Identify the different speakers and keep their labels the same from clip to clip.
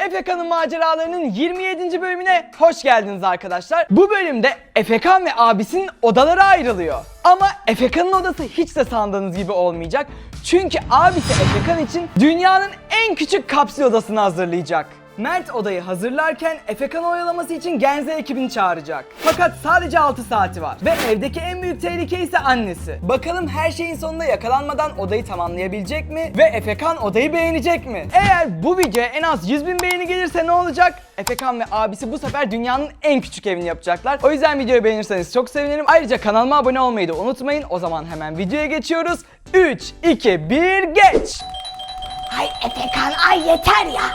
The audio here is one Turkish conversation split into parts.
Speaker 1: Efekan'ın maceralarının 27. bölümüne hoş geldiniz arkadaşlar. Bu bölümde Efekan ve abisinin odaları ayrılıyor. Ama Efekan'ın odası hiç de sandığınız gibi olmayacak. Çünkü abisi Efekan için dünyanın en küçük kapsül odasını hazırlayacak. Mert odayı hazırlarken Efekan'ı oyalaması için Genze ekibini çağıracak. Fakat sadece 6 saati var ve evdeki en büyük tehlike ise annesi. Bakalım her şeyin sonunda yakalanmadan odayı tamamlayabilecek mi ve Efekan odayı beğenecek mi? Eğer bu videoya en az 100.000 beğeni gelirse ne olacak? Efekan ve abisi bu sefer dünyanın en küçük evini yapacaklar. O yüzden videoyu beğenirseniz çok sevinirim. Ayrıca kanalıma abone olmayı da unutmayın. O zaman hemen videoya geçiyoruz. 3, 2, 1 geç!
Speaker 2: Ay Efekan ay yeter ya.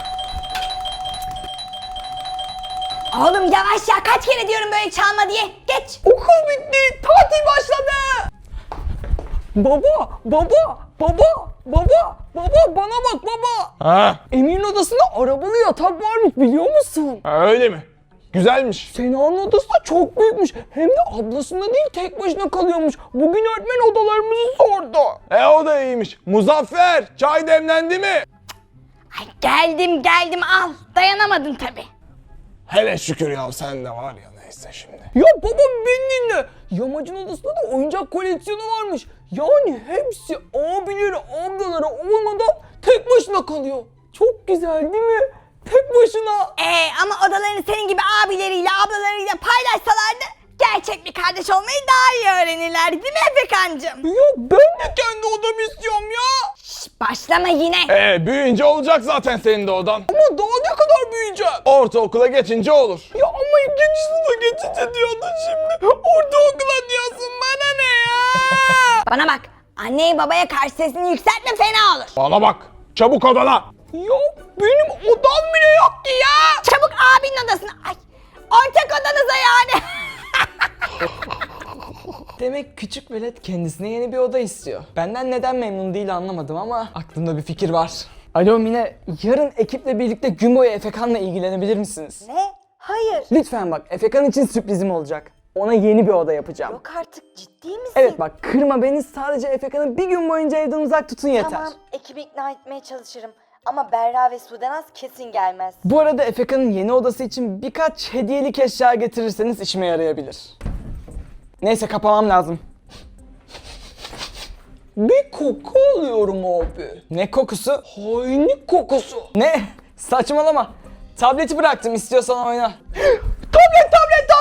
Speaker 2: Oğlum yavaş ya, kaç kere diyorum böyle çalma diye. Geç.
Speaker 1: Okul bitti, tatil başladı. Baba bana bak baba.
Speaker 3: Ha,
Speaker 1: Emir'in odasında arabalı yatak varmış, biliyor musun?
Speaker 3: öyle mi? Güzelmiş.
Speaker 1: Sena'nın odası da çok büyükmüş. Hem de ablasında değil, tek başına kalıyormuş. Bugün öğretmen odalarımızı sordu.
Speaker 3: O da iyiymiş. Muzaffer, çay demlendi mi?
Speaker 2: Ay geldim al. Dayanamadın tabi.
Speaker 3: Hele şükür ya, sen de var ya, neyse şimdi.
Speaker 1: Ya baba beni dinle. Yamacın odasında da oyuncak koleksiyonu varmış. Yani hepsi abileri, ablaları olmadan tek başına kalıyor. Çok güzel değil mi? Tek başına.
Speaker 2: Ama odalarını senin gibi abileriyle ablalarıyla paylaşsalardı gerçek bir kardeş olmayı daha iyi öğrenirlerdi, değil mi Efekancığım?
Speaker 1: Ya ben de kendi odamı istiyorum ya.
Speaker 2: Başlama yine.
Speaker 3: Büyüyünce olacak zaten senin de odan.
Speaker 1: Ama daha ne kadar büyüyeceğim?
Speaker 3: Ortaokula geçince olur.
Speaker 1: Ya ama ikinci sınıfa geçince diyordun şimdi. Ortaokula diyorsun, bana ne ya?
Speaker 2: Bana bak, anneye babaya karşı sesini yükseltme, fena olur.
Speaker 3: Bana bak, çabuk odana.
Speaker 1: Ya benim odam bile yok ki ya.
Speaker 2: Çabuk abinin odasına. Ay, ortak odanıza yani.
Speaker 1: Demek küçük velet kendisine yeni bir oda istiyor. Benden neden memnun değil anlamadım ama aklımda bir fikir var. Alo Mine, yarın ekiple birlikte gün boyu Efekan'la ilgilenebilir misiniz?
Speaker 2: Ne? Hayır.
Speaker 1: Lütfen bak, Efekan için sürprizim olacak. Ona yeni bir oda yapacağım.
Speaker 2: Yok artık, ciddi misin?
Speaker 1: Evet bak, kırma beni, sadece Efekan'ı bir gün boyunca evden uzak tutun yeter.
Speaker 4: Tamam, ekibi ikna etmeye çalışırım. Ama Berra ve Sudenaz kesin gelmez.
Speaker 1: Bu arada Efekan'ın yeni odası için birkaç hediyelik eşya getirirseniz işime yarayabilir. Neyse, kapamam lazım. Bir koku alıyorum abi. Ne kokusu? Hainlik kokusu. Ne? Saçmalama. Tableti bıraktım, istiyorsan oyna. Tablet!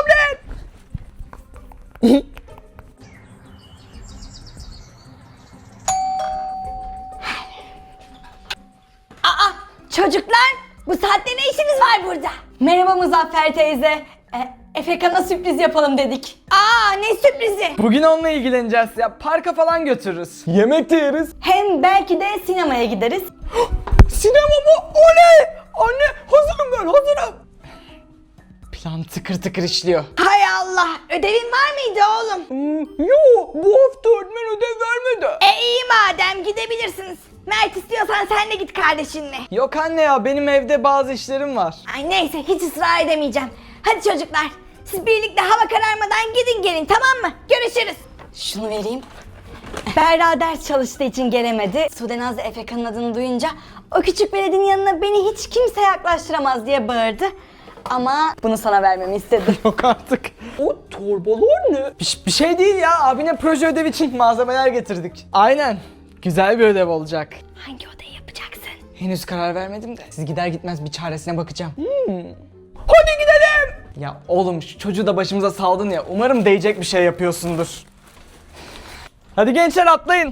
Speaker 2: Aa, çocuklar, bu saatte ne işiniz var burada? Merhaba Muzaffer teyze. Efekan'a sürpriz yapalım dedik. Aa, ne sürprizi?
Speaker 1: Bugün onunla ilgileneceğiz ya. Parka falan götürürüz. Yemek de yeriz.
Speaker 2: Hem belki de sinemaya gideriz.
Speaker 1: Sinema mı? Oley! Anne, hazırım ben, hazırım. Plan tıkır tıkır işliyor.
Speaker 2: Hay Allah, ödevin var mıydı oğlum?
Speaker 1: Yo, bu hafta öğretmen ödev vermedi.
Speaker 2: İyi madem, gidebilirsiniz. Mert, istiyorsan sen de git kardeşinle.
Speaker 1: Yok anne ya, benim evde bazı işlerim var.
Speaker 2: Ay neyse, hiç ısrar edemeyeceğim. Hadi çocuklar, siz birlikte hava kararmadan gidin gelin, tamam mı? Görüşürüz. Şunu vereyim. Berra ders çalıştığı için gelemedi. Sudenaz da Efekan'ın adını duyunca o küçük veledin yanına beni hiç kimse yaklaştıramaz diye bağırdı. Ama bunu sana vermemi istedi.
Speaker 1: Yok artık. O torbalar ne? Bir şey değil ya, abine proje ödevi için malzemeler getirdik. Aynen. Güzel bir ödev olacak.
Speaker 2: Hangi odayı yapacaksın?
Speaker 1: Henüz karar vermedim de. Siz gider gitmez bir çaresine bakacağım. Hadi gidelim. Ya oğlum, şu çocuğu da başımıza saldın ya. Umarım değecek bir şey yapıyorsundur. Hadi gençler, atlayın.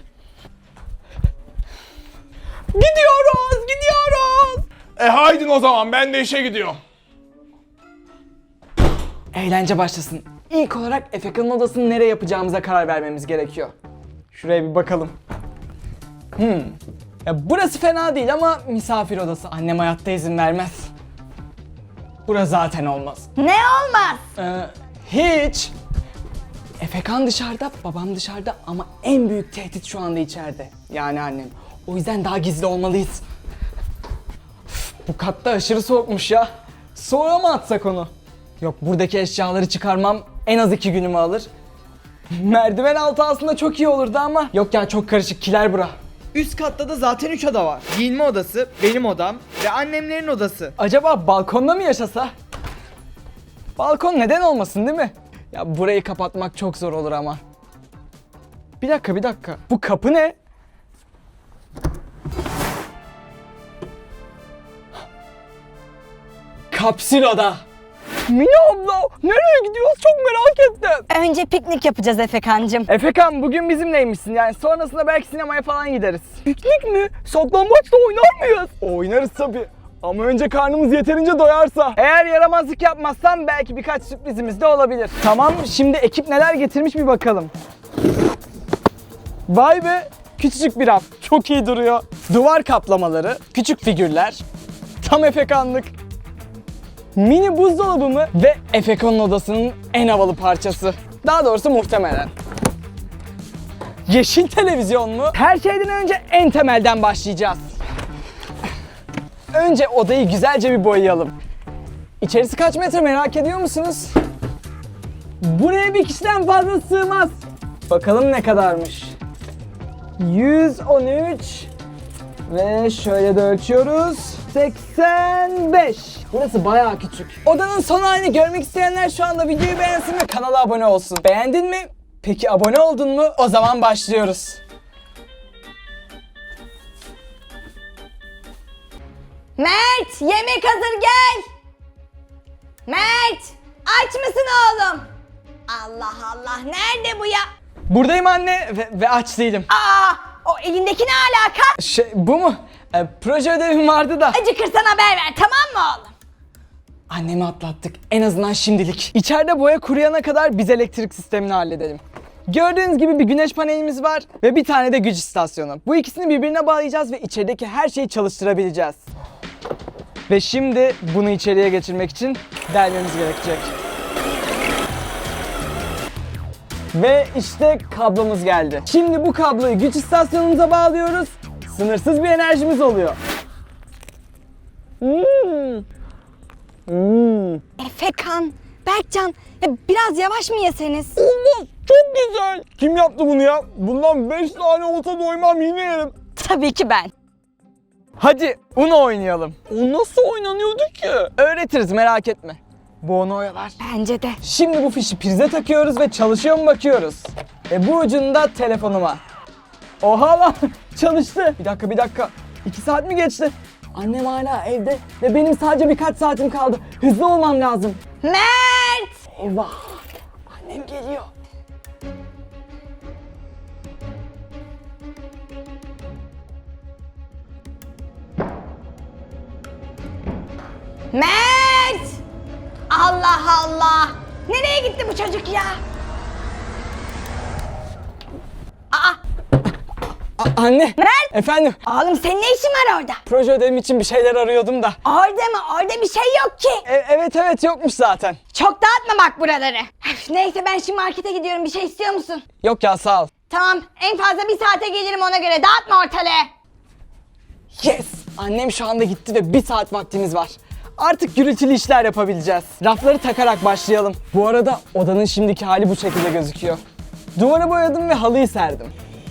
Speaker 1: Gidiyoruz.
Speaker 3: Haydin o zaman, ben de işe gidiyorum.
Speaker 1: Eğlence başlasın. İlk olarak Efekan'ın odasını nereye yapacağımıza karar vermemiz gerekiyor. Şuraya bir bakalım. Ya burası fena değil ama misafir odası. Annem hayatta izin vermez. Burası zaten olmaz.
Speaker 2: Ne olmaz?
Speaker 1: Hiç. Efekan dışarıda, babam dışarıda ama en büyük tehdit şu anda içeride. Yani annem. O yüzden daha gizli olmalıyız. Üf, bu katta aşırı soğukmuş ya. Soğuğa mı atsak onu? Yok, buradaki eşyaları çıkarmam en az 2 günümü alır. Merdiven altı aslında çok iyi olurdu ama yok ya, çok karışık, kiler bura.
Speaker 5: Üst katta da zaten 3 oda var. Giyinme odası, benim odam ve annemlerin odası.
Speaker 1: Acaba balkonda mı yaşasa? Balkon neden olmasın değil mi? Ya burayı kapatmak çok zor olur ama. Bir dakika. Bu kapı ne? Kapsül oda. Mine abla nereye gidiyoruz çok merak ettim.
Speaker 2: Önce piknik yapacağız Efekancığım.
Speaker 1: Efekan bugün bizimleymişsin yani sonrasında belki sinemaya falan gideriz. Piknik mi? Saklambaçla oynar mıyız?
Speaker 3: Oynarız tabii. Ama önce karnımız yeterince doyarsa.
Speaker 1: Eğer yaramazlık yapmazsam belki birkaç sürprizimiz de olabilir. Tamam şimdi ekip neler getirmiş bir bakalım. Vay be küçücük bir raf çok iyi duruyor. Duvar kaplamaları, küçük figürler. Tam Efekanlık. Mini buzdolabı mı ve Efekan'ın odasının en havalı parçası. Daha doğrusu muhtemelen. Yeşil televizyon mu? Her şeyden önce en temelden başlayacağız. Önce odayı güzelce bir boyayalım. İçerisi kaç metre merak ediyor musunuz? Buraya bir kişiden fazla sığmaz. Bakalım ne kadarmış. 113 ve şöyle de ölçüyoruz. 85. Burası bayağı küçük. Odanın son halini görmek isteyenler şu anda videoyu beğensin ve kanala abone olsun. Beğendin mi? Peki abone oldun mu? O zaman başlıyoruz.
Speaker 2: Mert, yemek hazır gel. Mert, aç mısın oğlum? Allah Allah, nerede bu ya?
Speaker 1: Buradayım anne ve aç değilim.
Speaker 2: Aa, o elindeki ne alaka?
Speaker 1: Bu mu? Proje ödevim vardı da.
Speaker 2: Acıkırsan haber ver, tamam mı oğlum?
Speaker 1: Annemi atlattık. En azından şimdilik. İçeride boya kuruyana kadar biz elektrik sistemini halledelim. Gördüğünüz gibi bir güneş panelimiz var ve bir tane de güç istasyonu. Bu ikisini birbirine bağlayacağız ve içerideki her şeyi çalıştırabileceğiz. Ve şimdi bunu içeriye geçirmek için delmemiz gerekecek. Ve işte kablomuz geldi. Şimdi bu kabloyu güç istasyonumuza bağlıyoruz. Sınırsız bir enerjimiz oluyor.
Speaker 2: Efekan, Berkcan, ya biraz yavaş mı yeseniz?
Speaker 3: Olmaz. Çok güzel. Kim yaptı bunu ya? Bundan 5 tane olsa doymam yine yerim.
Speaker 2: Tabii ki ben.
Speaker 1: Hadi Uno oynayalım.
Speaker 3: O nasıl oynanıyordu ki?
Speaker 1: Öğretiriz merak etme. Bu onu oyalar.
Speaker 2: Bence de.
Speaker 1: Şimdi bu fişi prize takıyoruz ve çalışıyor mu bakıyoruz. Bu ucunda telefonuma. Oha lan çalıştı. Bir dakika. 2 saat mi geçti? Annem hala evde ve benim sadece birkaç saatim kaldı. Hızlı olmam lazım.
Speaker 2: Mert!
Speaker 1: Eyvah. Annem geliyor.
Speaker 2: Mert! Allah Allah! Nereye gitti bu çocuk ya? Aa,
Speaker 1: Anne.
Speaker 2: Mert!
Speaker 1: Efendim.
Speaker 2: Oğlum senin ne işin var orada?
Speaker 1: Proje ödevim için bir şeyler arıyordum da.
Speaker 2: Orada mı? Orada bir şey yok ki.
Speaker 1: Evet yokmuş zaten.
Speaker 2: Çok dağıtma bak buraları. Üf, neyse ben şimdi markete gidiyorum. Bir şey istiyor musun?
Speaker 1: Yok ya sağ ol.
Speaker 2: Tamam, en fazla bir saate gelirim ona göre. Dağıtma ortalığı.
Speaker 1: Yes! Annem şu anda gitti ve 1 saat vaktimiz var. Artık gürültülü işler yapabileceğiz. Rafları takarak başlayalım. Bu arada odanın şimdiki hali bu şekilde gözüküyor. Duvarı boyadım ve halıyı serdim.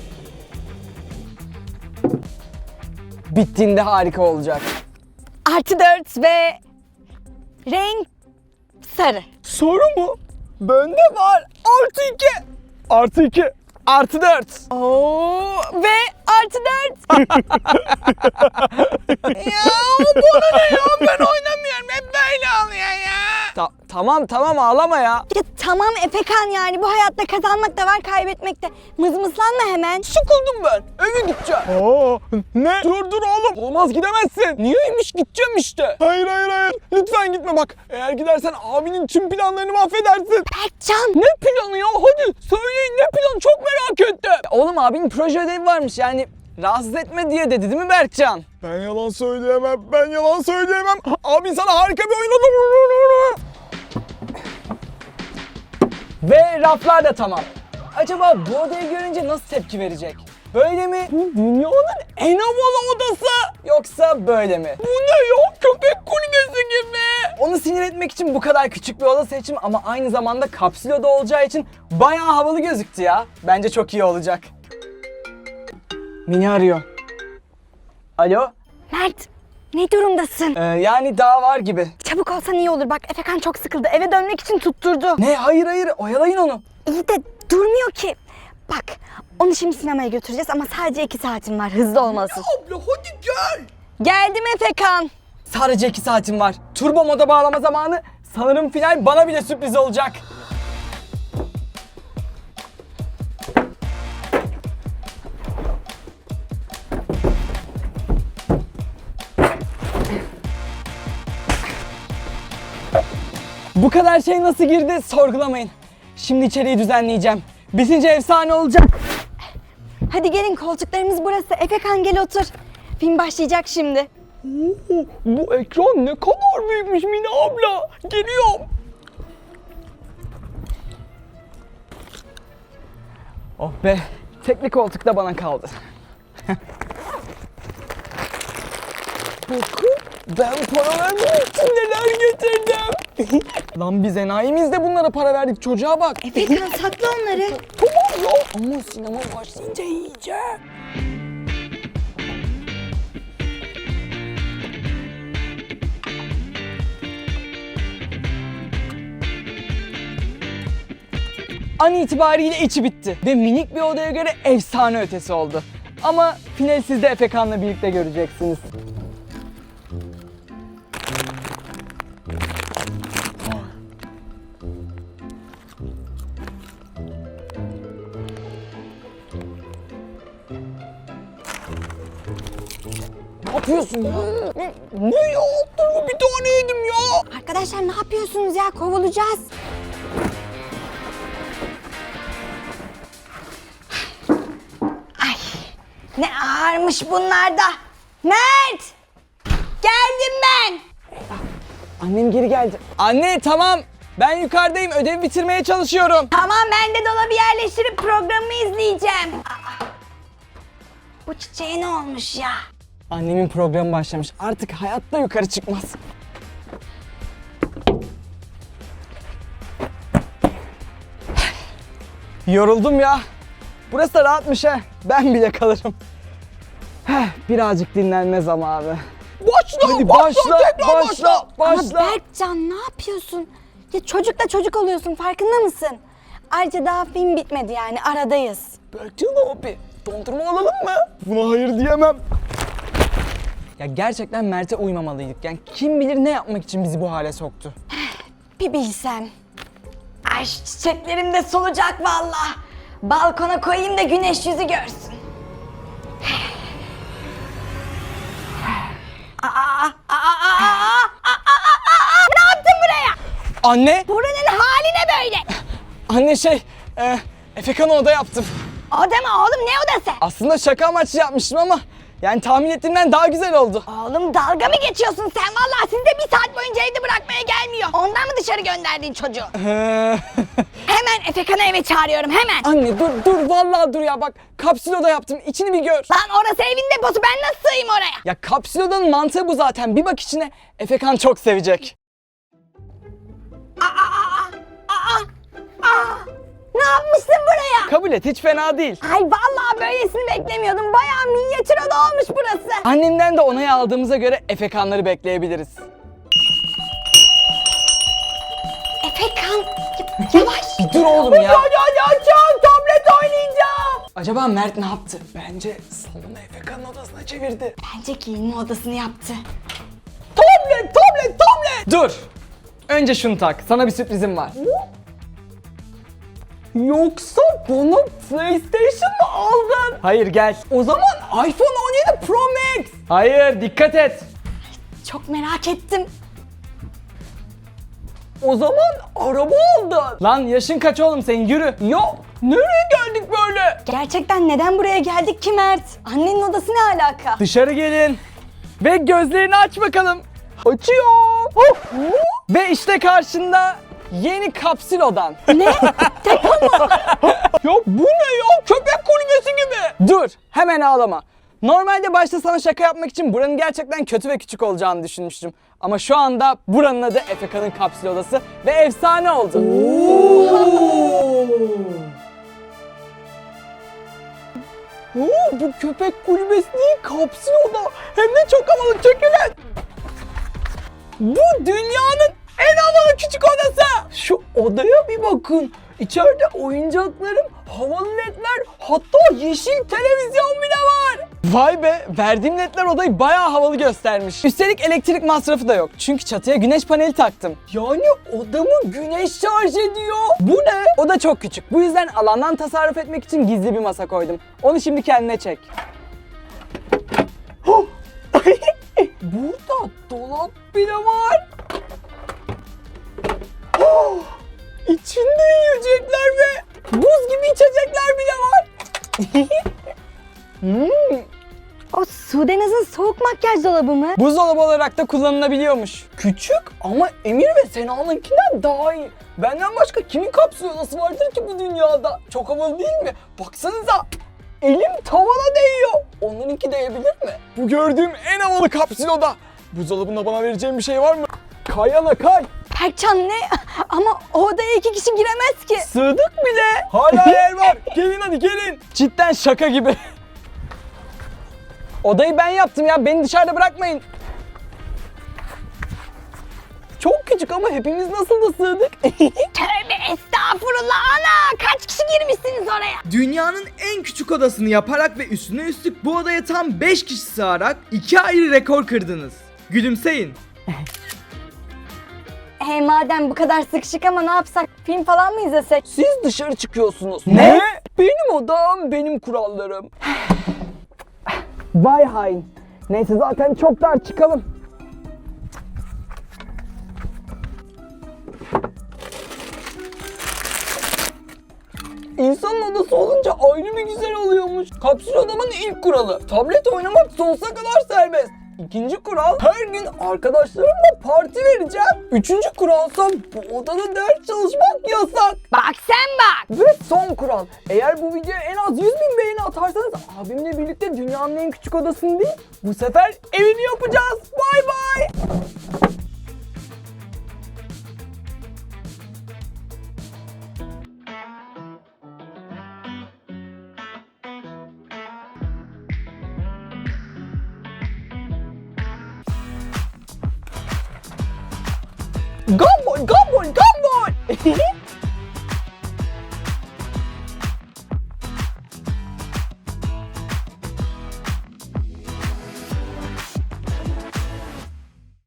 Speaker 1: Bittiğinde harika olacak.
Speaker 2: +4 ve renk sarı.
Speaker 1: Soru mu? Bende var. +2. +4.
Speaker 2: Oo, ve +4.
Speaker 1: Ya bana ne ya? Ben oynamıyorum. Hep böyle oluyor ya. Tamam ağlama ya.
Speaker 2: Ya tamam Efekan yani bu hayatta kazanmak da var kaybetmek de. Mızmızlanma hemen.
Speaker 1: Sıkıldım ben. Eve gideceğim.
Speaker 3: Aa, ne? Dur oğlum. Olmaz gidemezsin.
Speaker 1: Niyeymiş gideceğim işte.
Speaker 3: Hayır. Lütfen gitme bak. Eğer gidersen abinin tüm planlarını mahvedersin.
Speaker 2: Berkcan.
Speaker 1: Ne planı ya? Hadi söyleyin ne planı? Çok merak ettim. Oğlum abinin proje ödevi varmış yani rahatsız etme diye dedi değil mi Berkcan?
Speaker 3: Ben yalan söyleyemem. Abin sana harika bir oyun olur.
Speaker 1: Ve raflar da tamam. Acaba bu odayı görünce nasıl tepki verecek? Böyle mi? Bu dünyanın en havalı odası. Yoksa böyle mi? Bu ne ya? Köpek kulübesi gibi. Onu sinir etmek için bu kadar küçük bir oda seçim ama aynı zamanda kapsül oda olacağı için bayağı havalı gözüktü ya. Bence çok iyi olacak. Mini arıyor. Alo?
Speaker 2: Mert, ne durumdasın?
Speaker 1: Yani daha var gibi.
Speaker 2: Çabuk olsan iyi olur. Bak Efekan çok sıkıldı. Eve dönmek için tutturdu.
Speaker 1: Ne? Hayır, oyalayın onu.
Speaker 2: İyi de durmuyor ki. Bak, onu şimdi sinemaya götüreceğiz ama sadece 2 saatim var. Hızlı olmalısın.
Speaker 1: Abla hadi gel.
Speaker 2: Geldim Efekan.
Speaker 1: Sadece 2 saatim var. Turbo moda bağlama zamanı. Sanırım final bana bile sürpriz olacak. Bu kadar şey nasıl girdi sorgulamayın. Şimdi içeriği düzenleyeceğim. Bitince efsane olacak.
Speaker 2: Hadi gelin, koltuklarımız burası. Efekan gel otur. Film başlayacak şimdi.
Speaker 1: Bu ekran ne kadar büyükmüş Mine abla. Geliyorum. Oh be. Tekli koltuk da bana kaldı. Bakın ben para vermek için neler getirdim. Lan biz enayimiz de bunlara para verdik, çocuğa bak.
Speaker 2: Efekan sakla onları.
Speaker 1: Tamam ya ama sinema başlayınca yiyeceğim. An itibariyle içi bitti ve minik bir odaya göre efsane ötesi oldu. Ama final siz de Efekan'la birlikte göreceksiniz. Ne yapıyorsun ya? Ne ya? Altını bir tane yedim ya.
Speaker 2: Arkadaşlar ne yapıyorsunuz ya? Kovulacağız. Ay, ne ağırmış bunlar da. Mert! Geldim ben.
Speaker 1: Annem geri geldi. Anne tamam. Ben yukarıdayım. Ödevi bitirmeye çalışıyorum.
Speaker 2: Tamam, ben de dolabı yerleştirip programımı izleyeceğim. Aa, bu çiçeğe ne olmuş ya?
Speaker 1: Annemin programı başlamış. Artık hayatta yukarı çıkmaz. Yoruldum ya. Burası da rahatmış ha. Ben bile kalırım. Birazcık dinlenme zamanı. Başla, hadi başla.
Speaker 2: Ama Berkcan ne yapıyorsun? Ya çocukla çocuk oluyorsun, farkında mısın? Ayrıca daha film bitmedi, yani aradayız.
Speaker 1: Berkcan abi, dondurma alalım mı? Buna hayır diyemem. Ya gerçekten Mert'e uymamalıydık. Yani kim bilir ne yapmak için bizi bu hale soktu.
Speaker 2: Bir bilsen. Ay şu çiçeklerim de solacak vallahi. Balkona koyayım da güneş yüzü görsün. Ne yaptın buraya?
Speaker 1: Anne!
Speaker 2: Buranın hali ne böyle?
Speaker 1: Anne Efekan'a oda yaptım.
Speaker 2: Oda mı oğlum, ne odası?
Speaker 1: Aslında şaka amaçlı yapmıştım ama yani tahmin ettiğimden daha güzel oldu.
Speaker 2: Oğlum dalga mı geçiyorsun sen? Vallahi sizi de 1 saat boyunca evde bırakmaya gelmiyor. Ondan mı dışarı gönderdin çocuğu? Hemen Efekan'ı eve çağırıyorum, hemen.
Speaker 1: Anne dur vallahi dur ya, bak kapsül oda yaptım, içini bir gör.
Speaker 2: Lan orası evin deposu, ben nasıl sığayım oraya?
Speaker 1: Ya kapsül odanın mantığı bu zaten, bir bak içine, Efekan çok sevecek.
Speaker 2: Ne yapmışsın buraya?
Speaker 1: Kabul et, hiç fena değil.
Speaker 2: Ay vallahi böylesini beklemiyordum. Bayağı minyatür oda olmuş burası.
Speaker 1: Annemden de onayı aldığımıza göre Efekanları bekleyebiliriz.
Speaker 2: Efekan, yavaş.
Speaker 1: Bir dur oğlum ya.
Speaker 2: Açacağım, tablet oynayacağım.
Speaker 1: Acaba Mert ne yaptı? Bence salonu Efekan'ın odasına çevirdi.
Speaker 2: Bence giyinme odasını yaptı.
Speaker 1: Tablet! Dur! Önce şunu tak, sana bir sürprizim var. Yoksa bana PlayStation mı aldın? Hayır gel. O zaman iPhone 17 Pro Max. Hayır, dikkat et.
Speaker 2: Çok merak ettim.
Speaker 1: O zaman araba aldın. Lan yaşın kaç oğlum senin, yürü. Yok, nereye geldik böyle?
Speaker 2: Gerçekten neden buraya geldik ki Mert? Annenin odası ne alaka?
Speaker 1: Dışarı gelin. Ve gözlerini aç bakalım. Açıyor. Ve işte karşında yeni kapsül odan.
Speaker 2: Ne? Depo mu?
Speaker 1: Ya bu ne ya? Köpek kulübesi gibi. Dur, hemen ağlama. Normalde başta sana şaka yapmak için buranın gerçekten kötü ve küçük olacağını düşünmüştüm. Ama şu anda buranın adı Efekan'ın kapsül odası ve efsane oldu. Oo, bu köpek kulübesi değil, kapsül oda. Hem de çok havalı, çekilin. Bu dünyanın en havalı küçük odası. Şu odaya bir bakın. İçeride oyuncaklarım, havalı ledler, hatta yeşil televizyon bile var. Vay be, verdiğim ledler odayı bayağı havalı göstermiş. Üstelik elektrik masrafı da yok. Çünkü çatıya güneş paneli taktım. Yani odamı güneş şarj ediyor. Bu ne? O da çok küçük. Bu yüzden alandan tasarruf etmek için gizli bir masa koydum. Onu şimdi kendine çek. Burada dolap bile var. İçinde yiyecekler ve buz gibi içecekler bile var.
Speaker 2: O Sudenaz'ın soğuk makyaj dolabı mı?
Speaker 1: Buzdolabı olarak da kullanılabiliyormuş. Küçük ama Emir ve Sena'nınkinden daha iyi. Benden başka kimin kapsül odası vardır ki bu dünyada? Çok havalı değil mi? Baksanıza. Elim tavana değiyor. Onlarınki değebilir mi?
Speaker 3: Bu gördüğüm en havalı kapsül oda. Buzdolabında bana vereceğin bir şey var mı? Kayana kay.
Speaker 2: Berkcan ne? Ama o odaya 2 kişi giremez ki.
Speaker 1: Sığdık bile.
Speaker 3: Hala yer var. Gelin hadi gelin.
Speaker 1: Cidden şaka gibi. Odayı ben yaptım ya. Beni dışarıda bırakmayın. Çok küçük ama hepimiz nasıl da sığdık.
Speaker 2: Tövbe estağfurullah ana. Kaç kişi girmişsiniz oraya?
Speaker 5: Dünyanın en küçük odasını yaparak ve üstüne üstlük bu odaya tam 5 kişi sığarak 2 ayrı rekor kırdınız. Gülümseyin.
Speaker 2: Madem bu kadar sıkışık ama ne yapsak? Film falan mı izlesek?
Speaker 1: Siz dışarı çıkıyorsunuz. Ne? Benim odam, benim kurallarım. Vay hain. Neyse zaten çok dar, çıkalım. İnsanın odası olunca ayrı bir güzel oluyormuş. Kapsül odamın ilk kuralı. Tablet oynamak sonsuza kadar serbest. İkinci kural, her gün arkadaşlarımla parti vereceğim. Üçüncü kuralsa bu odada ders çalışmak yasak.
Speaker 2: Bak sen bak.
Speaker 1: Ve son kural, eğer bu videoya en az 100.000 beğeni atarsanız abimle birlikte dünyanın en küçük odasını değil, bu sefer evini yapacağız. Bay bay. Gumball, gumball, gumball.